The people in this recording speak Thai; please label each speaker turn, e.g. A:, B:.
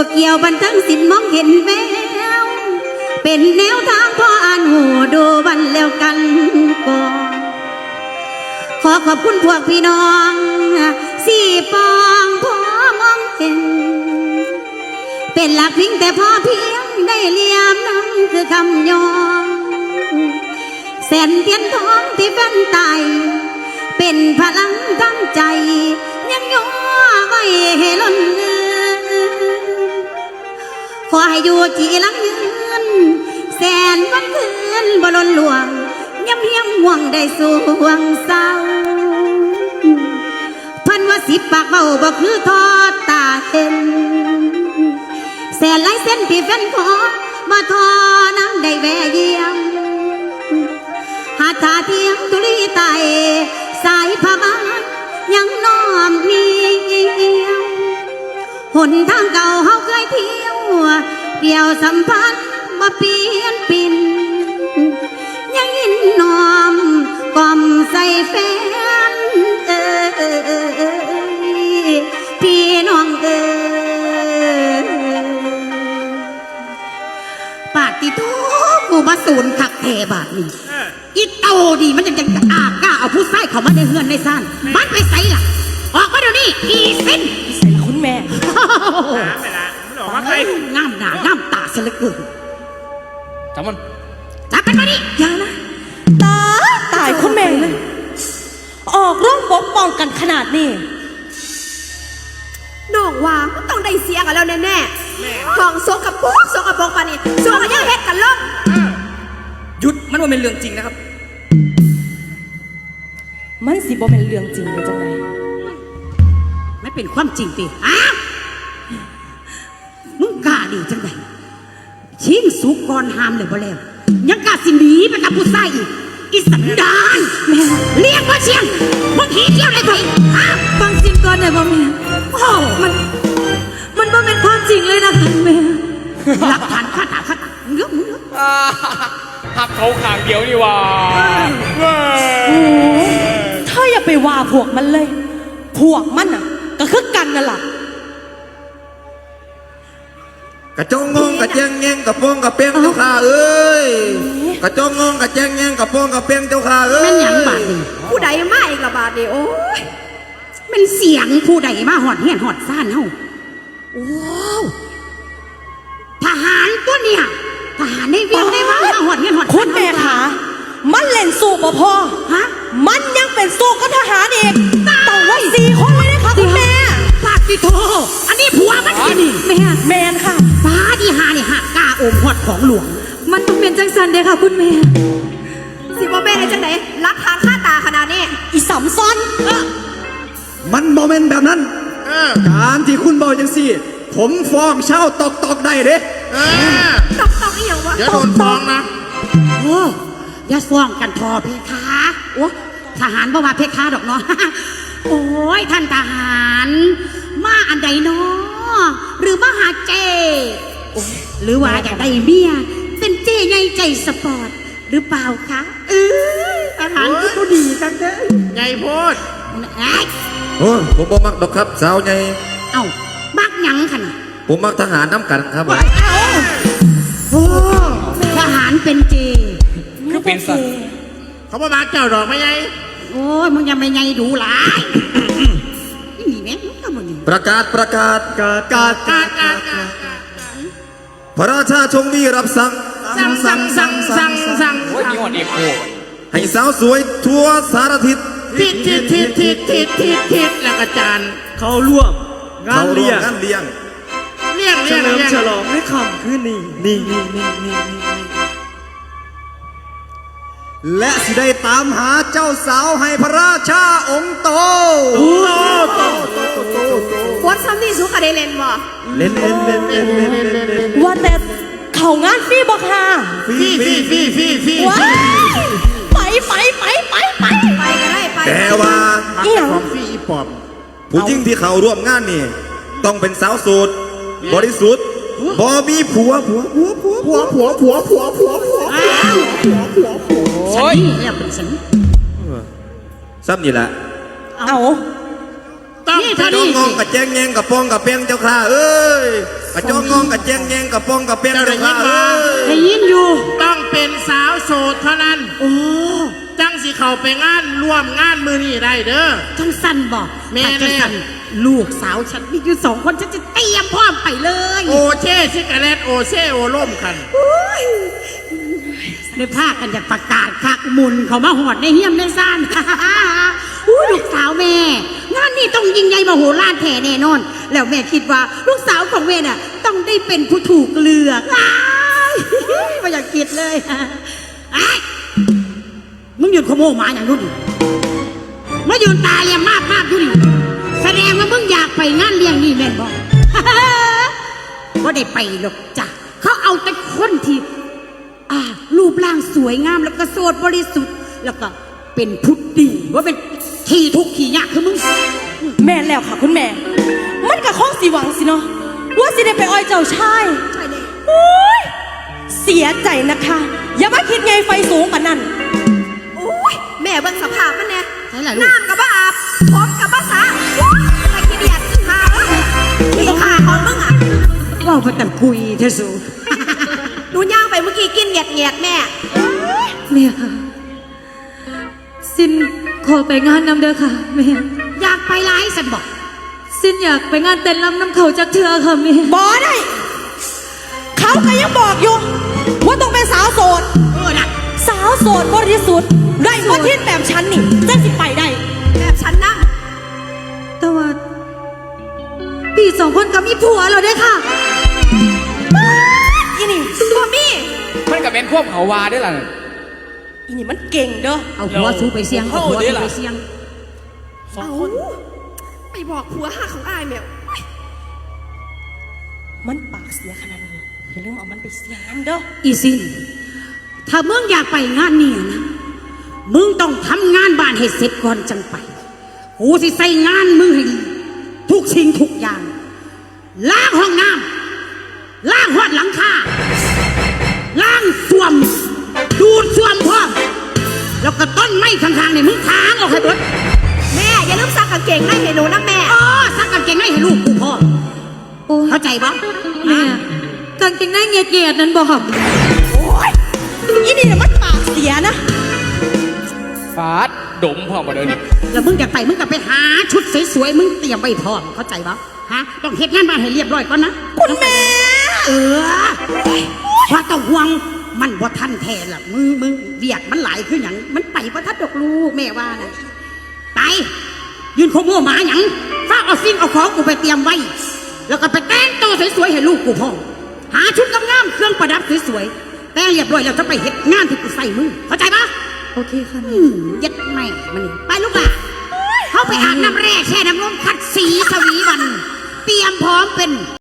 A: เกี่ยวบันทั้งสินมองเห็นแววเป็นแนวทางพ่ออ่านหูดูวันแล้วกันก่อนขอขอบคุณพวกพี่น้องสี่ปองพ่อมองเห็นเป็นหลักพิงแต่พอเพียงได้เลียมนั้นคือคำยองแสนเทียนทองที่แฟนไตเป็นพลังทั้งใจยังย่อไว้ให้ล้นเลือขอให้อยู่จีหลังยืนแสนวันคืนบ่ล้นหลวงย้ำเพียงห่วงได้สวงเศร้าพันว่าสิบปากเบาบ่คือทอดตาเห็นแสนหลายเส้นที่แฟนขอมาทอน้ำได้แวะเยี่ยมหาทาเทียงตุลีไตสายพามายังน้อมเนียมหนทางเก่าเฮาเคยเที่ยวเดี่ยวสัมพันธ์มาเปลี่ยนปิ่นยังยินน้อมกล่อมใส่แฟนพี่น้องปาติโตกูมาสูนขักเทบาทนี่อีเต่าดีมันยังกล้าเอาผู้ใส่เขามาในเฮือนในซ่านมันไปใส่ล่ะออกมาเดี๋ยวนี้อีสิ้น
B: ใส่ละคุณแม่
C: ไม่ละมันออกมาใครง
A: ามหน้างามตาเสลือเกิน
C: จับมัน
A: มาดิอย่านะ
B: ตายคุณแม่เลยออกร่องปกป้องกันขนาดนี้
D: น้องว่าต้องได้เสียกันแล้วแน่ๆของโซกับโป๊กปานี่โซกันยังเฮ็ดกันล่ม
C: หยุดมันว่าเป็นเรื่องจริงนะครับ
B: มันสิบ่เป็นเรื่องจริงเลยจังไง
A: ไม่เป็นความจริงติมึงกล้าดีจังไงชิงสุกก่อนหามเลยบ่แล้วยังกล้าสิหนีไปกับผู้ชายอีสันดานแม่เรียกว่าเชียงมึงขี้เที่ยวอะไรไป
B: ฟังจริงก่อนหน่อยบ่แม่
A: โอ้
B: มันบ่เป็นความจริงเลยนะคะแม่
A: หลักฐานข้าตาเยอะ
C: หักเขาขางเดียวนี่ว่า
B: เธออย่าไปว่าพวกมันเลยพวกมันน่ะก็คือกันนั่นแหละ
E: กระจงงงกระแจงแยงกระโปงกระเปียงเจ้าข้าเอ้ยกระจงงงกระแจงแยงกระโปงกระเปียงเจ้าข้าเอ้ย
A: มันหยังบาดนี่
D: ผู้ใดมาอีกละบาดนี่โอ้ย
A: มันเสียงผู้ใดมาหอดเฮียนหอดซ่านเฮาโอ้ทหารตัวเนี่ยทหารในเวียงได้มาหอดเฮียนหอด
B: คุณแม่ขามันเล่นสู้บ่พอมันยังเป็นสู้กับทหารอีกต้องไว้4 คนเลยนะคะคุณแม่
A: ปาติโทอันนี้ผัวมันนี่
B: แม่นค่ะ
A: ป้าที่หานี่หักกล้าโอมหอดของหลวง
B: มันต้องเป็นจังสันเด้ค่ะคุณแม่
D: สิบ่แม่ได้จังไหนรักทางค่าตาขนาดนี้
B: อีสำซ้อน
E: มันโมเมนต์แบบนั้นการที่คุณบอกจังสิผมฟ้องเช่าตอกได้เด้
D: ตอกอีหยังวะ
C: อย่าโดนฟ้องนะ
A: โอ้อย่าฟ้องกันทอเพคะโอ้ทหารบ่ว่าเพคะดอกเนาะโอ้ยท่านทหารมาอันใดเนาะหรือมาหาเจหรือว่าอยากได้เมียเป็นเจใหญ่ใจสปอร์ตหรือเปล่าคะทหารก็ดีกันเด้อ
C: ใหญ่โพด
E: โอ้ผมบ่มักดอกครับสาวใหญ่
A: เอ้ามักหยังขนาด
E: ผมมักทหารน้ำกันครับ
A: โอ้ทหารเป็นเจ
C: คือเป็นสัตว์เขาบอกมาเจ้าดอกไม่ไง
A: โอ้ยมึงยังไม่ไงดูหลายนี่แม่มึงทำอะไร
E: ประกาศพระราชาชงมีรับสั่ง
C: โอ้ยมีหอดเอกโค
E: ให้สาวสวยทั่วสารทิศ
C: ทิศแล้วก็จาน
F: เขาร่วมงานเลี้ยง
C: เฉลิม
F: ฉลองในค่ำคืนนี้
E: และสิได้ตามหาเจ้าสาวให้พระราชาองค์โต
D: วัดซ้ำนี่สุขได้เล่นบ่
E: เล่น
B: ว่าแต่เขางานฟรีบ่ค่ะ
C: ฟรี
B: ไป
D: ก็ได้ไป
E: แต่ว่า
C: ของฟรีอีปอบ
E: ผู้หญิงที่เขาร่วมงานนี่ต้องเป็นสาวโสดบริสุทธิ์บ่มีผัว
A: โอ้ยเนี่ยเป็นสัน
E: ซ้ำนี่แหละ
B: เอา
E: ต้องงงกับแจงแยงกับปองกับเปียงเจ้าข้าเอ้ยกระจงงงกระเจงแยงกระโปรงกระเปียงเจ้าค่ะเอ้ย
A: ได้ยินอยู่
C: ต้องเป็นสาวโสดเท่านั้น
A: โอ้
C: จังสิเข้าไปงานร่วมงานมือนี่ได้เด้อ
A: จังสันบอก
C: แม่
A: จังสันลูกสาวฉันมีอยู่2 คนฉันจะเตรียมพร้อมไปเลย
C: โอเช่ซิกาเลตโอเช่โอล่มกัน
A: ในภาคกันอยากประกาศคักมุนเขามาหอดในเฮียมในซ่าน อู้ลูกสาวแม่ งานนี้ต้องยิ่งใหญ่มโหฬารแท้แน่นอน แล้วแม่คิดว่าลูกสาวของแม่น่ะต้องได้เป็นผู้ถูกเลือกอ้ายไม่อยากคิดเลยไอ้ยมึงหยุดขโมยหมาอย่างนู้นดิมายืนตาเลี้ยงมากอยู่ดิแสดงว่ามึงอยากไปงานเลี้ยงนี่แม่นบอก ก็ได้ไปหรอกจ้ะเขาเอาแต่คนที่รูปร่างสวยงามแล้วก็โสดบริสุทธิ์แล้วก็เป็นพุทธดีว่าเป็นขี้ทุกข์ขี้ยากคือมึง
B: แม่นแล้วค่ะคุณแม่ มันกับข้องสีหวังสิเนาะว่าสิได้ไปอ้อยเจ้าชาย
D: ใช่เลย
B: โอ้ยเสียใจนะคะ อย่ามาคิดไงไฟสูงกว่านั้น
D: โอ้ยแม่เบิ่งสภาพมันเนี่ย
A: ใช่แหละลูก
D: น้ำกับบ้าอาบผมกับบ้าสาไอ้ขี้เดียดหาขี้ขาของมึงอ่ะ
A: ว่าพระตันคุยเทสู
D: หนูย่างไปเมื่อกี้กินเหยียดแม่
G: แม่ค่ะซินขอไปงานนำเด้อค่ะแม่
A: อยากไปร้ายสันบอก
G: ซินอยากไปงานเต้นรำน้ำเขาจากเธอค่ะแม่
B: บอได้ เขาก็ยังบอกอยู่ ว่าต้องเป็นสาวโสด
A: น่ะ
B: สาวโสดบริสุทธิ์ไรบ่ทิศแบบฉันนี่จะสิไปได้
D: แบบฉันนั่ง
G: แต่ว่าพี่2 คนกับมีผัวเราเด้อค่ะ
B: อีนี่
D: บ่มี
H: มันก็เป็นพวกเขาวาได้ล่ะ
B: อีนี่มันเก่งเด้อ
A: เอาหัวสู้ไปเสียงเอาหัวสู้ไปเสียง
D: เอาไปบอกผัวหาของอายแมว
B: มันปากเสียขนาดนี้อย่าลืมเอามันไปเสียงนั่นเด้อ
A: อีสินถ้ามึงอยากไปงานเนี่ยนะมึงต้องทำงานบ้านให้เสร็จก่อนจังไปกูสิใส่งานมึงให้ดีทุกสิ่งทุกอย่างล้างห้องน้ำล้างหอดหลังคาล้างส้วมดูดส้วมพร้อมแล้วก็ต้นไม้ข้างๆเนี่ยมึงทางออกให้หมด
D: แม่อย่าลืมซักกางเกงในให้หนูนะแม่
A: อ๋อซักกางเกงในให้ลูกกูพ่อ
G: โอ้ย
A: เข้าใจบ่
G: แม่กางเกงในเงียดๆนั้นบอก
B: โอ้ยอีนี่น่ะมันปากเสียนะ
H: ฟาดดมพ่อมาเดินนี่
A: แล้วมึงอยากไปมึงก็ไปหาชุดสวยๆมึงเตรียมไว้พร้อมเข้าใจบ่ฮะต้องเฮ็ดงานบ้านให้เรียบร้อยก่อนนะ
B: คุณแม่
A: ว่าต้องห่วงมันบ่ทันแท้ล่ะมึงเบียกมันหลายคือหยังมันไปบ่ทันดอกลูกแม่ว่านะไปยืนโคโม่หมาหยังฟ้าเอาสิ่งเอาของกูไปเตรียมไว้ แล้วก็ไปแต่งตัวสวยๆให้ลูกกูพ่อหาชุดงามๆเครื่องประดับสวยๆแต่งเรียบร้อยแล้วจะไปเฮ็ดงานที่กูใส่มึงเข้าใจปะ
G: โอเคค่ะแม่
A: ยัดแม่มันนี่ไปลูกล่ะเขาไปอาบน้ำแร่แช่น้ำร้อนขัดสีสวีวัน เตรียมพร้อมเป็น